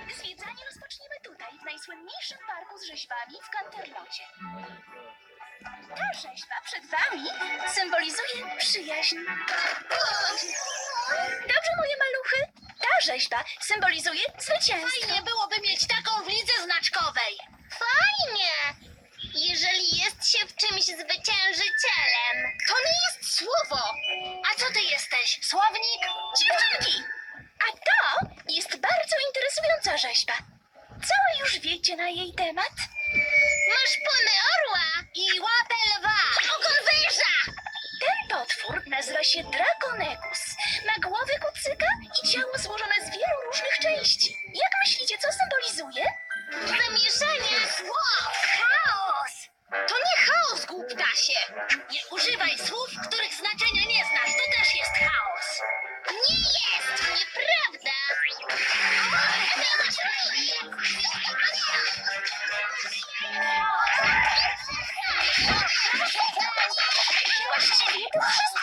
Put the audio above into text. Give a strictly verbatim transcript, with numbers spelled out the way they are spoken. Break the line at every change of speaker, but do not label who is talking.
Zwiedzanie rozpoczniemy tutaj, w najsłynniejszym parku z rzeźbami w Canterlocie. Ta rzeźba przed wami symbolizuje przyjaźń. Dobrze, moje maluchy? Ta rzeźba symbolizuje zwycięstwo.
Fajnie byłoby mieć taką w lidze znaczkowej.
Fajnie! Jeżeli jest się w czymś zwyciężycielem.
To nie jest słowo. A co ty jesteś? Słownik?
Dziewczynki! A to jest bardzo interesująca rzeźba. Co już wiecie na jej temat?
Masz pony orła
I łapę lwa.
ogon węża.
Ten potwór nazywa się Draconegus. Ma głowę kucyka i ciało złożone z wielu różnych części. Jak myślicie, co symbolizuje?
Zamieszanie.
Wow, chaos. To nie chaos, głuptasie. Nie używaj słów, których znaczenia nie znasz. To też jest chaos.
Nie jest! Nieprawda!
Właściwie to wszystko.